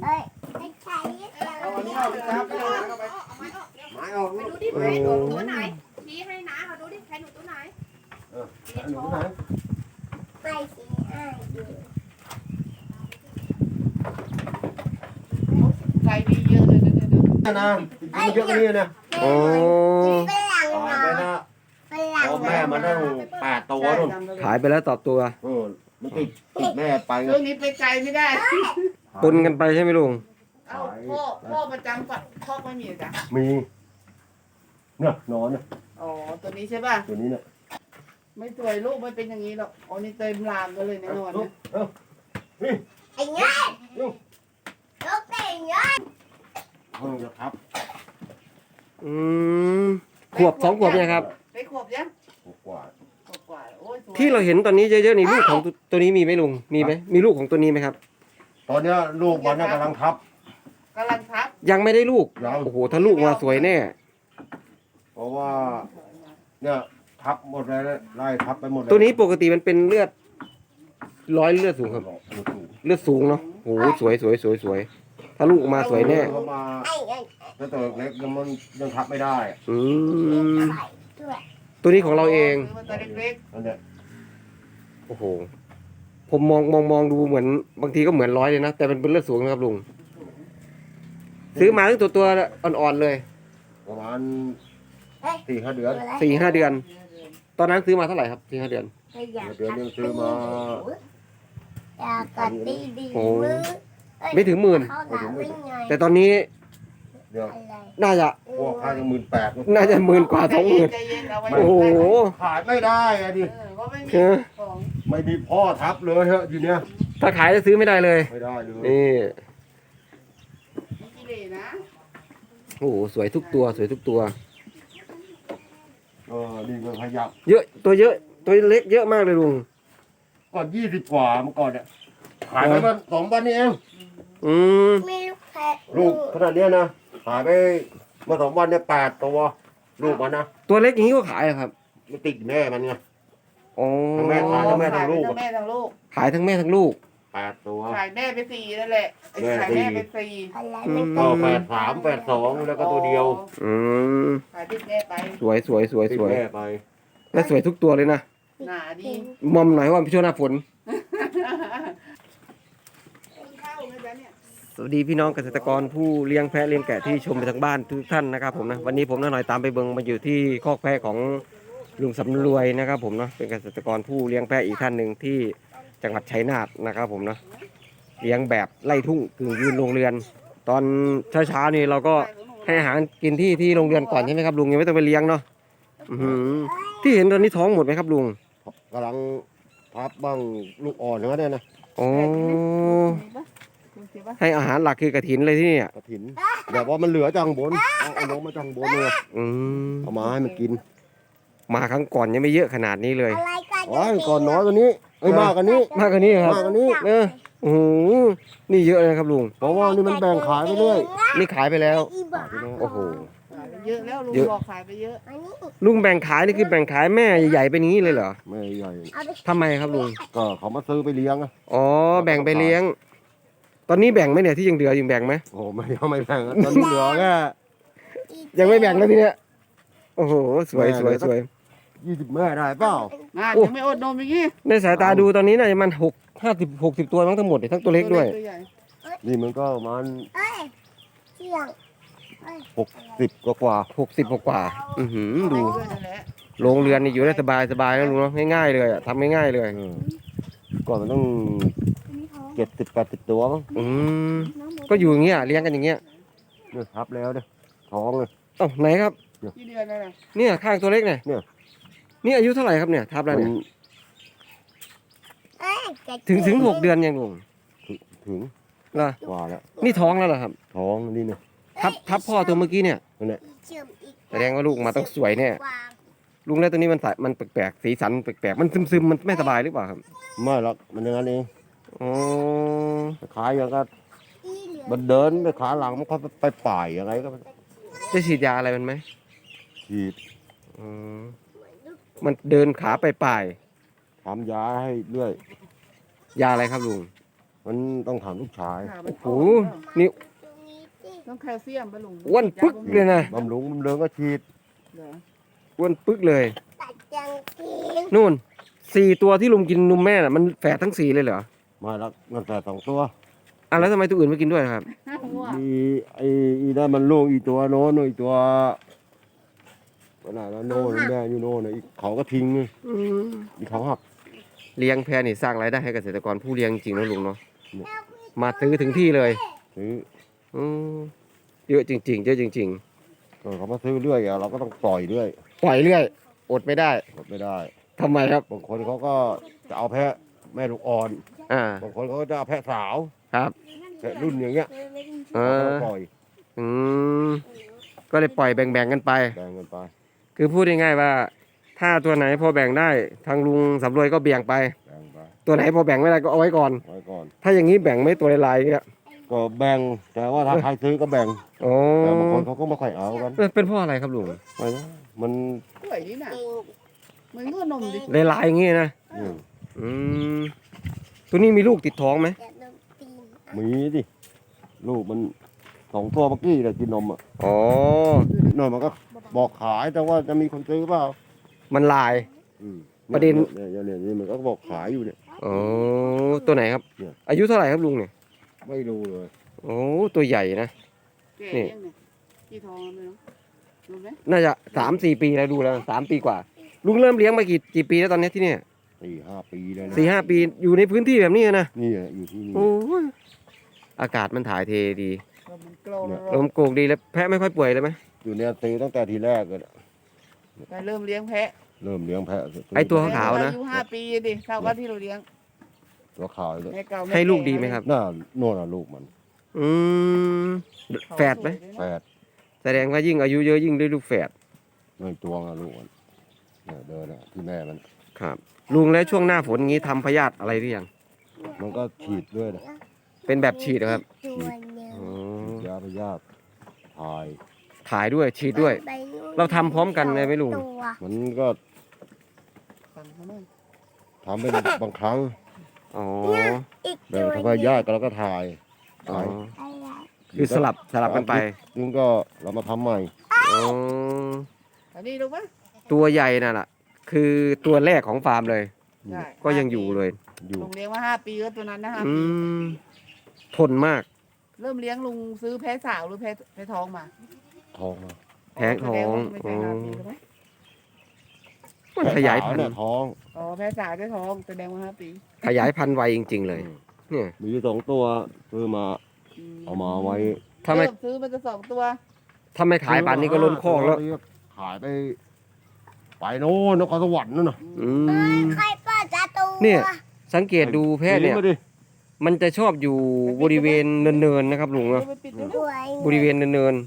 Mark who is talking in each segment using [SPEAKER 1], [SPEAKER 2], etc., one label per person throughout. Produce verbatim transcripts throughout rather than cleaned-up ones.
[SPEAKER 1] เอาอันนี้ออกไปครับไปเลยเข้าไปไม้ออก
[SPEAKER 2] ไปดูดิใครหนูตัวไหนชี้ให้น้าเขาดูดิใครหนูตัวไหน
[SPEAKER 1] เออหนูไหน
[SPEAKER 3] ไปสิอ่ะอยู่
[SPEAKER 2] ใครดีเยอะเลยนะเนี่ย
[SPEAKER 1] นี่นะกินเยอะกว่านี้นะ
[SPEAKER 3] โอ้ฝรั่ง
[SPEAKER 1] ตาย
[SPEAKER 3] เนา
[SPEAKER 1] ไปนะ
[SPEAKER 3] ะฝรั่ง
[SPEAKER 1] พ่อแม่มันตั้งแปดตัวนู่น
[SPEAKER 4] ขายไปแล้วต่อตัว
[SPEAKER 1] เออมันติดติดแม่ไปไง
[SPEAKER 2] เรื่องนี้ไปไกลไม่ได้
[SPEAKER 4] ปนกันไปใช่ไหมลุง
[SPEAKER 2] เอ้าพ่อพ่อประจำก่อนพ่อไม่มีจ้ะ
[SPEAKER 1] มีเนี่ยนอนเนี่ย
[SPEAKER 2] อ๋อตัวนี้ใช่ป่ะ
[SPEAKER 1] ตัวนี้เนี่ย
[SPEAKER 2] ไม่สวยลูกไม่เป็นอย่างนี้หรอกอ๋อนี่เต็มลามกันเลยแน่นอนเนี่ย
[SPEAKER 1] เออนี่
[SPEAKER 3] ไอ้เงี้ยลูกเต่งเงี้ย
[SPEAKER 1] เพิ่งจะทับ
[SPEAKER 4] อืมขวบสองขวบเนี่ยครับ
[SPEAKER 2] ได้ขวบยัง
[SPEAKER 1] กว่า
[SPEAKER 2] ขวบกว่าโอ้ยสวย
[SPEAKER 4] ที่เราเห็นตอนนี้เยอะๆนี่ลูกของตัวตัวนี้มีไหมลุงมีไหมมีลูกของตัวนี้ไหมครับ
[SPEAKER 1] ตอนเนี้ยลูกมันน่ะกำลังทับ
[SPEAKER 2] กำลังทับ
[SPEAKER 4] ยังไม่ได้ลูก
[SPEAKER 1] ยัง
[SPEAKER 4] โอ้โหถ้าลูกมาสวยแน่
[SPEAKER 1] เพราะว่าเนี่ยทับหมดเลยไล่ทับไปหมดเลย
[SPEAKER 4] ตัวนี้ปกติมันเป็นเลือดร้อยเลือดสูงครับ เลือดสูงเนาะโอ้โหสวยสวยสวยสวยถ้าลูกออกมาสวยแน่
[SPEAKER 1] เขามา
[SPEAKER 3] ไอ้ไอ้
[SPEAKER 1] แต่ตัวเล็กยังมันยังทับไม่ได้
[SPEAKER 4] อืม
[SPEAKER 3] ด้วย
[SPEAKER 4] ตัวนี้ของเราเอง
[SPEAKER 2] ซื้อมาตัวเล็ก
[SPEAKER 1] นั่นเนี่ย
[SPEAKER 4] โอ้โหผมมองมองมองดูเหมือนบางทีก็เหมือนร้อยเลยนะแต่มันเป็นเลือดสูงนะครับลุงซื้อมาตั้งตัวตัวอ่อนๆเลย
[SPEAKER 1] ประมาณสี่ห้าเดือน
[SPEAKER 4] สี่ห้าเดือน
[SPEAKER 2] ๆ
[SPEAKER 4] ตอนนั้นซื้อมาเท่าไหร่ครับสี่ห้าเดือน
[SPEAKER 1] เดือนนึงซื้อมา
[SPEAKER 3] อยากกัดดีดี
[SPEAKER 4] โอ้
[SPEAKER 3] มือ
[SPEAKER 4] ไม่ถึงหมื่น
[SPEAKER 3] เขาหนาวิ่งไง
[SPEAKER 4] แต่ตอนนี้
[SPEAKER 1] เดี๋ยว
[SPEAKER 3] อะไร
[SPEAKER 4] น่าจะ
[SPEAKER 1] พวกค่าจะหมื่นแปด
[SPEAKER 4] น่าจะหมื่นกว่าสองหมื่น
[SPEAKER 2] ใจเย็นเอาไว้
[SPEAKER 4] โอ้โห
[SPEAKER 1] ขายไม่ได้อะดิ
[SPEAKER 2] เออเพราะไม่มี
[SPEAKER 4] เออ
[SPEAKER 2] ของ
[SPEAKER 1] ไม่มีพ่อทับเลยฮะทีเนี้ย
[SPEAKER 4] ถ้าขายจะซื้อไม่ได้เลย
[SPEAKER 1] ไม่ได้เลย
[SPEAKER 4] นี่
[SPEAKER 2] มีกิเลสนะ
[SPEAKER 4] โอ้โหสวยทุกตัวสวยทุกตัว
[SPEAKER 1] เออนี่ก็ขยับ
[SPEAKER 4] เยอะตัวเยอะตัวเล็กเยอะมากเลยลุง
[SPEAKER 1] ก่อนยี่สิบกว่าเมื่อก่อนเนี่ยขายไปมาสองวันนี้เอง
[SPEAKER 4] อืม
[SPEAKER 3] มีลูกแพะ
[SPEAKER 1] ลูกขนาดเนี้ยนะขายไปเมื่อสองวันเนี่ยแปดตัวลูกมันนะ
[SPEAKER 4] ตัวเล็กอย่างนี้ก็ขายเหรอครับ
[SPEAKER 1] มันติดแม่มันไง
[SPEAKER 4] อ๋อ
[SPEAKER 1] ทั้งแม่ขายทั้งแม่ทั้งลูก
[SPEAKER 2] ทั้งแม่ทั้งลูก
[SPEAKER 4] ขายทั้งแม่ทั้งลูก
[SPEAKER 1] แปดตัว
[SPEAKER 2] ขายแม่ไปสี่นั่นแหละไอ้
[SPEAKER 1] แม่
[SPEAKER 2] ขาย
[SPEAKER 1] สี่
[SPEAKER 2] แม่ไปสี่
[SPEAKER 3] อะไร
[SPEAKER 4] อื
[SPEAKER 3] ไม่
[SPEAKER 4] ม
[SPEAKER 3] ต้
[SPEAKER 1] ก็
[SPEAKER 3] อง
[SPEAKER 1] แปดสามแปดสองแล้วก็ตัวเดียว
[SPEAKER 4] อืม
[SPEAKER 2] ขายติดแม่ไป
[SPEAKER 4] สวยสวยสวย
[SPEAKER 1] ติด
[SPEAKER 4] สวย
[SPEAKER 1] แม่ไป
[SPEAKER 4] และสวยทุกตัวเลยนะ
[SPEAKER 2] หนาดี
[SPEAKER 4] มอมหน่อยว่าเป็นช่วงหน้าฝน
[SPEAKER 2] ข้าวนะจ๊ะเนี่ย
[SPEAKER 4] สวัสดีพี่น้องเกษตรกรผู้เลี้ยงแพะเลี้ยงแกะที่ชมไปทางบ้านทุกท่านนะครับผมนะวันนี้ผมน้าหน่อยตามไปเบิงมาอยู่ที่คอกแพะของลุงสำรวยนะครับผมเนาะเป็นเกษตรกรผู้เลี้ยงแพะอีกท่านหนึ่งที่จังหวัดชัยนาทนะครับผมเนาะเลี้ยงแบบไล่ทุ่งกึ่งยืนโรงเรือน ตอนเช้าๆนี่เราก็ให้อาหารกินที่ที่โรงเรือนก่อนใช่ไหมครับลุงยังไม่ต้องไปเลี้ยงเนาะอื้อหือที่เห็นตอนนี้ท้องหมดไหมครับลุง
[SPEAKER 1] กำลังพับบ้างลูกอ่อนอย่างนั้นเนี่ยนะ
[SPEAKER 4] อ๋อ
[SPEAKER 2] มีปะคุณคิดปะ
[SPEAKER 4] ให้อาหารหลักคือกระถินเลยที่นี่
[SPEAKER 1] กระถินแบบว่ามันเหลือจังบนเอาเอาลงมาจังบนเลย
[SPEAKER 4] อืม
[SPEAKER 1] เอามาให้มันกิน
[SPEAKER 4] มาครั้งก่อนยังไม่เยอะขนาดนี้เลย
[SPEAKER 3] อะไรกัน
[SPEAKER 1] อ๋อก่อนน้อยกว่านี้เอ้ยมากกว่านี้
[SPEAKER 4] มากกว่านี้ครับ
[SPEAKER 1] มากกว่านี้
[SPEAKER 4] เออโอ้โหนี่เยอะเลยครับลุง
[SPEAKER 1] เพราะว่านี่มันแบ่งขายไปเรื่อย
[SPEAKER 4] นี่ขายไปแล้ว
[SPEAKER 3] อีบ้า
[SPEAKER 4] โอ้โห
[SPEAKER 2] ขายไปเยอะแล้วลุง
[SPEAKER 4] เยอะ
[SPEAKER 2] บอกขายไปเยอะ
[SPEAKER 3] อันนี้
[SPEAKER 4] ลุงแบ่งขายนี่คือแบ่งขายแม่ใหญ่ๆเป็นอย่างนี้เลยเหรอ
[SPEAKER 1] ไม่ใหญ่
[SPEAKER 3] เอาไป
[SPEAKER 4] ทำไมครับลุง
[SPEAKER 1] ก็เขามาซื้อไปเลี้ยงอะ
[SPEAKER 4] อ๋อ แบ่งไปเลี้ยง ตอนนี้แบ่งไหมเนี่ยที่ยังเหลืออยู่แบ่งไหม
[SPEAKER 1] โอ้ไม่เอาไม่แบ่งอะตอนนี้เหลือแค่
[SPEAKER 4] ยังไม่แบ่งแล้วทีเนี้ย โอ้โห สวยสวยสวย
[SPEAKER 1] ยี่สิบแม่ได้เปล่า
[SPEAKER 2] น่า
[SPEAKER 4] โอ้
[SPEAKER 2] ยังไม่อดนมอย่างงี้
[SPEAKER 4] ในสายตาดูตอนนี้น่าจะมันหกห้าสิบหกสิบตัวมั้งทั้งหมดเลยทั้งตัวเล็กด้วย
[SPEAKER 2] ตัวใหญ่
[SPEAKER 1] นี่มันก็ประมาณ
[SPEAKER 3] เอ้ยเที่ยง
[SPEAKER 1] หกสิบกว่ากว่า
[SPEAKER 4] หกสิบกว่าๆอือหือดู
[SPEAKER 2] ด้วยนั่นแหละ
[SPEAKER 4] โรงเรือนนี่อยู่ได้สบายสบายนะลุงเนาะง่ายๆเลยอะทำง่ายๆเลย
[SPEAKER 1] เออก่อนมันต้องเจ็ดสิบแปดสิบตัวมั้ง
[SPEAKER 4] อืมก็อยู่อย่างเงี้ยเลี้ยงกันอย่างเงี้ย
[SPEAKER 1] เนี่ยทับแล้วเนี่ยท้องเลย
[SPEAKER 4] เอ้าไหนครับ
[SPEAKER 2] กี่เดือนแล้วนะ
[SPEAKER 4] เนี่ยข้างตัวเล็กเนี่ย
[SPEAKER 1] เนี่ย
[SPEAKER 4] นี่อายุเท่าไหร่ครับเนี่ยทับแล้วเนี่ย
[SPEAKER 1] มัน
[SPEAKER 3] เอ้ยจะ
[SPEAKER 4] ถึงถึงหกเดือนยังลุง
[SPEAKER 1] ถึง
[SPEAKER 4] เหรอก
[SPEAKER 1] ว่าแล้ว
[SPEAKER 4] นี่ท้องแล้วเหรอครับ
[SPEAKER 1] ท้องนี่เนี่ย
[SPEAKER 4] ทับทับพ่อตัวเมื่อกี้เนี่ย
[SPEAKER 1] นั่นแหละ
[SPEAKER 3] เชื่อมอีก
[SPEAKER 4] แสดงว่าลูกมาต้องสวยแน่
[SPEAKER 3] กว่า
[SPEAKER 4] ลุงแล้วตัวนี้มันสายมันแปลกๆสีสันแปลกๆมันซึมๆมันไม่สบายหรือเปล่าครับ
[SPEAKER 1] ไม่หรอกมันอย่างนั้นเอง
[SPEAKER 4] อ๋อ
[SPEAKER 1] ขายอย่างก็
[SPEAKER 3] อีเหลือ
[SPEAKER 1] มันเดินไปขาหลังมันก็ไปป่ายยังไงก็
[SPEAKER 4] ได้ฉีดยาอะไรมันไหม
[SPEAKER 1] ฉีด
[SPEAKER 4] อ๋อมันเดินขาไปป่าย
[SPEAKER 1] ทำยาให้เรื่อย
[SPEAKER 4] ยาอะไรครับลุง
[SPEAKER 1] มันต้องถามลูกชาย
[SPEAKER 2] ขามัน
[SPEAKER 4] โอ้โหนี่
[SPEAKER 3] ตรงนี้สิ
[SPEAKER 2] ต้องแคลเซียมปะลุง
[SPEAKER 4] อ้วนปึ๊กเลยนะ
[SPEAKER 1] บำรุงบำเริงก็ฉีด
[SPEAKER 2] เหรอ
[SPEAKER 4] อ้วนปึ๊กเลย
[SPEAKER 3] ตัดจังกิน
[SPEAKER 4] นู่นสี่ตัวที่ลุงกินนมแม่น่ะมันแฝดทั้งสี่เลยเหรอ
[SPEAKER 1] มาแล้วมันแต่สองตัว
[SPEAKER 4] อ่ะแล้วทำไมตัวอื่นไม่กินด้วยครับ
[SPEAKER 2] ง่วง
[SPEAKER 1] มีไอ้อีนั่นมันลูกอีตัวโน้นอีตัวขนาดนั้นโน่นแม่อยู่โน่นน่ะอีกเขาก็ทิ้งอีกเขาหัก
[SPEAKER 4] เลี้ยงแพะนี่สร้างรายได้ให้เกษตรกรผู้เลี้ยงจริงนะลุงเนาะมาซื้อถึงที่เลย
[SPEAKER 1] ซื้อ
[SPEAKER 4] อืมเยอะจริงๆเยอะจริง
[SPEAKER 1] เออเขามาซื้อเรื่อยอะเราก็ต้องปล่อยเรื่อย
[SPEAKER 4] ๆ ปล่อยเรื่อย อดไม่ได้
[SPEAKER 1] หมดไม่ได้
[SPEAKER 4] ทำไมครับ
[SPEAKER 1] บางคนเขาก็จะเอาแพะแม่ลูกอ่อน
[SPEAKER 4] อ่า
[SPEAKER 1] บางคนเขาก็จะเอาแพะสาว
[SPEAKER 4] ครับ
[SPEAKER 1] แพะรุ่นอย่างเงี้ย
[SPEAKER 4] เอ
[SPEAKER 1] เรา
[SPEAKER 4] อ
[SPEAKER 1] ก็ปล่อย
[SPEAKER 4] อืมก็เลยปล่อยแบ่งๆกันไป
[SPEAKER 1] แบ่งกันไป
[SPEAKER 4] คือพูดง่ายๆว่า ถ้าตัวไหนพอแบ่งได้ทางลุงสำรวยก็เบี่ยงไป
[SPEAKER 1] แบ่งไป
[SPEAKER 4] ตัวไหนพอแบ่งไม่ได้ก็เอาไว้ก่อน
[SPEAKER 1] ไว้ก่อน
[SPEAKER 4] ถ้าอย่างนี้แบ่งไม่ตัวลายๆเงี้ย
[SPEAKER 1] ก็แบ่งแต่ว่าถ้าใครซื้อก็แบ่ง
[SPEAKER 4] โอ้
[SPEAKER 1] แต่บางคนเขาก็ไม่ค่อยเอากัน
[SPEAKER 4] เป็นเพราะอะไรครับลุง
[SPEAKER 1] ไม่นะมัน
[SPEAKER 2] กล้วยนี่น่ะเหมือนก็นมดิ
[SPEAKER 4] ลายๆอย่างงี้นะ
[SPEAKER 1] อืม
[SPEAKER 4] อืมตัวนี้มีลูกติดท้องไหม
[SPEAKER 3] จะโดนตีน
[SPEAKER 1] มีดิลูกมันสองตัวเมื่อกี้เลยกินนมอ่ะ
[SPEAKER 4] อ๋อ
[SPEAKER 1] นนมันก็บอกขายแต่ว่าจะมีคนซื้อเปล่า
[SPEAKER 4] มันลาย
[SPEAKER 1] อืม
[SPEAKER 4] ประเด็น
[SPEAKER 1] เนี่ยเนี่ยเนี่ยเนี่ยมันก็บอกขายอยู่เนี่ย
[SPEAKER 4] อ๋อตัวไหนครับ
[SPEAKER 1] เนี่ย
[SPEAKER 4] อายุเท่าไหร่ครับลุงเนี่ย
[SPEAKER 1] ไม่รู้เลย
[SPEAKER 4] โอ้ตัวใหญ่นะ
[SPEAKER 2] แก่
[SPEAKER 4] นี่
[SPEAKER 2] ยังเนี่ยกี่ทองแล้วไม่รู้รู้ไหม
[SPEAKER 4] น่าจะสามสี่ปีแล้วดูแล้วสามปีกว่า ลุงเริ่มเลี้ยงมากี่กี่ปีแล้วตอนเนี้ยที่เนี่ย
[SPEAKER 1] สี่ห้าปีเลยนะ
[SPEAKER 4] สี่ห้าปีอยู่ในพื้นที่แบบนี้นะ
[SPEAKER 1] นี่อะอยู่ที่นี่
[SPEAKER 4] โอ้ยอากาศมันถ่ายเทดี
[SPEAKER 2] ลมมันโกรธ
[SPEAKER 4] ลมโกกดีแล้วแพะไม่ค่อยป่วยเลยไหม
[SPEAKER 1] อยู่เนี่ยซื้อตั้งแต่ทีแรกเลยนะ
[SPEAKER 2] ไปเริ่มเลี้ยงแพะ
[SPEAKER 1] เริ่มเลี้ยงแพะ
[SPEAKER 4] ไอตัวขาวๆนะ
[SPEAKER 2] อายุห้าปีดิเท่ากับที่เราเลี้ยง
[SPEAKER 1] ตัวขาวเลย
[SPEAKER 2] แม่เก่าแม่
[SPEAKER 4] ให้ลูก
[SPEAKER 2] แ
[SPEAKER 4] ดีไหมครับ
[SPEAKER 1] หน้าโน่นน่ะลูกมัน
[SPEAKER 4] อืมแฝดไหม
[SPEAKER 1] แฝด
[SPEAKER 4] แสดงว่ายิ่งอายุเยอะยิ่งได้ลูกแฝด
[SPEAKER 1] ไม่ตัวน่ะลูกมันเนี่ยเดินอ่ะที่แม่มัน
[SPEAKER 4] ครับลุงแล้วช่วงหน้าฝนงี้ทำพยาธิอะไรหรือยัง
[SPEAKER 1] มันก็ฉีดด้วยนะ
[SPEAKER 4] เป็นแบบฉีดเหรอครับ
[SPEAKER 3] ตัวเนี้ย
[SPEAKER 4] อ๋อ
[SPEAKER 1] ฉีดยาพยาธิถ่าย
[SPEAKER 4] ถ่ายด้วยฉีดด้วย
[SPEAKER 3] ไปนู่น
[SPEAKER 4] เราทำพร้อมกันเลยไหมลุง
[SPEAKER 3] ตัว
[SPEAKER 1] มันก็
[SPEAKER 2] สั่งเขาหน่อย
[SPEAKER 1] ทำเป็นบางครั้ง
[SPEAKER 4] อ๋อ
[SPEAKER 3] อีก
[SPEAKER 1] แบ่
[SPEAKER 3] ตั
[SPEAKER 1] ง
[SPEAKER 3] ว
[SPEAKER 1] ทำพยาธิก็แล้วก็ถ่าย
[SPEAKER 4] อ๋อ
[SPEAKER 1] ถ่าย
[SPEAKER 3] อะไร
[SPEAKER 4] คือสลับสลับกันไป
[SPEAKER 1] นึงก็เรามาทำใหม่
[SPEAKER 4] อ๋อ
[SPEAKER 2] อันนี้รู้ปะ
[SPEAKER 4] ตัวใหญ่น่ะล่ะ คือตัวแรกของฟาร์มเลย
[SPEAKER 2] ใช่
[SPEAKER 4] ก็ยังอยู่เลย
[SPEAKER 1] อยู่
[SPEAKER 2] ลุงเลี้ยงมาห้าปีก็ตัวนั้นนะห้า
[SPEAKER 4] อื
[SPEAKER 2] ปี
[SPEAKER 4] มทนมาก
[SPEAKER 2] เริ่มเลี้ยงลุงซื้อแพะสาวหรือแพะแพะท้องมา
[SPEAKER 1] ทองมา
[SPEAKER 4] แพ้ท้อง
[SPEAKER 2] แสดว่าไม่ใช่ห้าปีใช่ไหม
[SPEAKER 4] มันขยายพัน
[SPEAKER 1] เนี่ย
[SPEAKER 4] ธุ์
[SPEAKER 1] ท้อง
[SPEAKER 2] อ๋อแพะสาวได้ท้องแสดงว่าห้าปี
[SPEAKER 4] ขยายพันธุ์ไวจริง ๆ เลย เนี่ย
[SPEAKER 1] มีอยู่สองตัวซื้อมา
[SPEAKER 2] อืม
[SPEAKER 1] เอามาไว้
[SPEAKER 4] ถ้าไม่
[SPEAKER 2] เริ่มซื้อมันจะสองตัว
[SPEAKER 4] ถ้าไม่ขายป่านนี้ก็ล้นคอกแล้ว
[SPEAKER 1] ขายไปไปโน่นนครสวรรค์นั่นน่ะ
[SPEAKER 4] อืม
[SPEAKER 3] ใครเปิดประตู
[SPEAKER 4] เนี่ย สังเกตดูแพะเนี่ย
[SPEAKER 1] หมาดิ
[SPEAKER 4] มันจะชอบอยู่บริเวณเนินๆนะครับลุงเนาะ
[SPEAKER 2] เอาไปปิดดู
[SPEAKER 3] ตั
[SPEAKER 2] ลู
[SPEAKER 3] ว
[SPEAKER 2] ก
[SPEAKER 4] บริเวณเนิน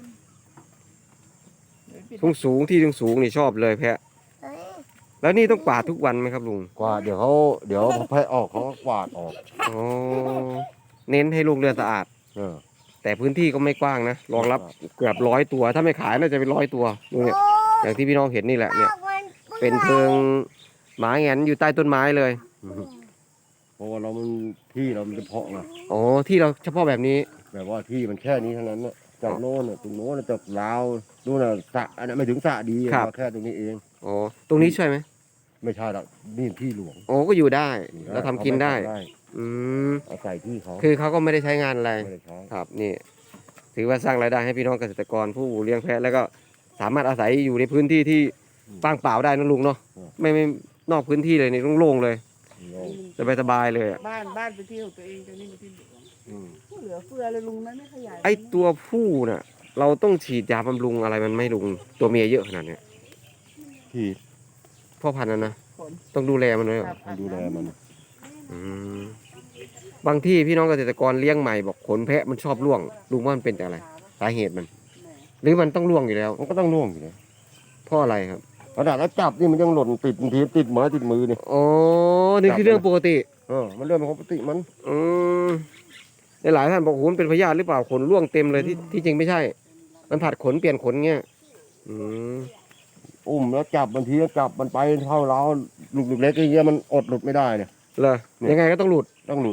[SPEAKER 2] เอาไปปิด
[SPEAKER 4] ๆสูงๆที่สูงๆนี่ชอบเลยแพะ
[SPEAKER 3] เฮ้ย
[SPEAKER 4] แล้วนี่ต้องกวาดทุกวันไหมครับลุง
[SPEAKER 1] กวาดเดี๋ยวเขาเดี๋ยวพอแพะออกเขาก็กวาดออก
[SPEAKER 4] อ๋อเน้นให้ลูกเรือนสะอาด
[SPEAKER 1] เออ
[SPEAKER 4] แต่พื้นที่ก็ไม่กว้างนะรองรับเกือบร้อยตัว ถ้าไม่ขายน่าจะเป็นร้อยตัวดูเนี่ย
[SPEAKER 3] โอ้
[SPEAKER 4] อย่างที่พี่น้องเห็นนี่แหละเนี่ย
[SPEAKER 3] ปากมัน
[SPEAKER 4] เป็นเพิงหมาแหงนอยู่ใต้ต้นไม้เลย
[SPEAKER 1] เพราะว่าเรามันที่เรามันเฉพาะไง
[SPEAKER 4] อ๋อที่เราเฉพาะแบบนี้
[SPEAKER 1] แบบว่าที่มันแค่นี้เท่านั้นน่ะจากโน่นน่ะตรงโน้นน่ะจากลาวนู่นน่ะสระอันนั้นไม่ถึงสระดี
[SPEAKER 4] ครับ
[SPEAKER 1] มาแค่ตรงนี้เอง
[SPEAKER 4] อ๋อตรงนี้ช่วยไหม
[SPEAKER 1] ไม่ใช่หรอกนี่ที่หลวง
[SPEAKER 4] โอ้ก็อยู่ได้เราทำกินได้
[SPEAKER 1] เขาม่ทำ
[SPEAKER 4] อืม
[SPEAKER 1] เอาใส่ที่เขา
[SPEAKER 4] คือเขาก็ไม่ได้ใช้งานอะไร
[SPEAKER 1] ไม่ได้ใช้
[SPEAKER 4] ครับนี่ถือว่าสร้างรายได้ให้พี่น้องเกษตรกรผู้เลี้ยงแพะแล้วก็สามารถอาศัยอยู่ในพื้นที่ที่ว่างเปล่าได้นะลุงเนาะไม่ไม่นอกพื้นที่เลยนี่โล่งๆเลย
[SPEAKER 1] โล่ง
[SPEAKER 4] สบายสบายๆเลยอะ
[SPEAKER 2] บ้านบ้านเป็นที่ของตัวเองแต่นี่เป็นที่หลวง
[SPEAKER 1] อืม
[SPEAKER 2] เหลือเฟือเลยลุงนั้นไม่ขยาย
[SPEAKER 4] ไอตัวผู้น่ะ เราต้องฉีดยาบำรุงอะไรมันไม่ลุงตัวเมียเยอะขนาดเนี้ย
[SPEAKER 1] ที่
[SPEAKER 4] พ่อพันธุ์นะนะ
[SPEAKER 2] ผล
[SPEAKER 4] ต้องดูแลมันเลยเหรอ
[SPEAKER 2] ครับ
[SPEAKER 1] ดูแลมัน
[SPEAKER 4] อืมบางที่พี่น้องเกษตรกรเลี้ยงใหม่บอกขนแพะมันชอบร่วงลุงว่ามันเป็นจากอะไรสาเหตุมัน หรือมันต้องร่วงอยู่แล้ว
[SPEAKER 1] มันก็ต้องร่วงอยู่เลย
[SPEAKER 4] เพราะอะไรครับ
[SPEAKER 1] ขนาดแล้วจับนี่มันยังหล่นติดบางทีติดไม้ติดมือเนี่ย
[SPEAKER 4] อ๋อนี่คือเรื่องปกติ
[SPEAKER 1] เออมันเรื่องปกติมัน
[SPEAKER 4] อืมในหลายท่านบอกโอ้โหมันเป็นพยาธิหรือเปล่าขนร่วงเต็มเลยที่ที่จริงไม่ใช่ มันผัดขนเปลี่ยนขนเงี้ยอืม
[SPEAKER 1] อุ้มแล้วจับบางทีก็จับมันไปเท่าเราลูกเล็กๆอย่างเงี้ยมันอดหลุดไม่ได้เนี่ย
[SPEAKER 4] เหรอยังไงก็ต้องหลุด
[SPEAKER 1] ต้องหลุด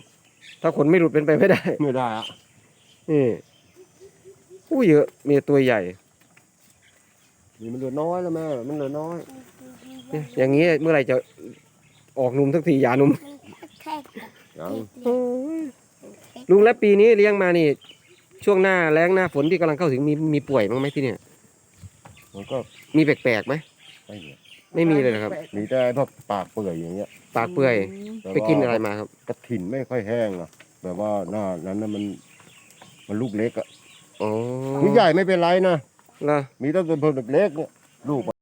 [SPEAKER 4] ถ้าขนไม่หลุดเป็นไปไม่ได้
[SPEAKER 1] ไม่ได้อะ
[SPEAKER 4] นี่อู้เยอะมีตัวใหญ่
[SPEAKER 1] นี่มันเหลือน้อยแล้วแม่มันเหลือน้อย
[SPEAKER 4] เนี่ยอย่างนี้เมื่อไหร่จะออกหนุ่มสักทียาหนุ่ม
[SPEAKER 3] แค่กับ
[SPEAKER 1] ยัง
[SPEAKER 4] ลุงและปีนี้เลี้ยงมานี่ ช่วงหน้าแล้งหน้าฝนที่กำลังเข้าถึงมีมีป่วยบ้างไหมที่เนี่ย
[SPEAKER 1] มันก็
[SPEAKER 4] มีแปลกๆไหม
[SPEAKER 1] ไม่เหลือ
[SPEAKER 4] ไม่มีเลยนะครับ
[SPEAKER 1] มีแต่พวกปากเปื่อยอย่างเงี้ย
[SPEAKER 4] ปากเปื่อย
[SPEAKER 1] แต่
[SPEAKER 4] ไปกิน
[SPEAKER 1] ว่า
[SPEAKER 4] อะไรมาครับ
[SPEAKER 1] กระถิ่นไม่ค่อยแห้งอะแบบว่าหน้านั้นน่ะมัน มันลูกเล็กอะ
[SPEAKER 4] อ๋อ
[SPEAKER 1] มีใหญ่ไม่เป็นไรนะ
[SPEAKER 4] เหรอ
[SPEAKER 1] มีแต่ตัวเล็กๆเนี่ยลูก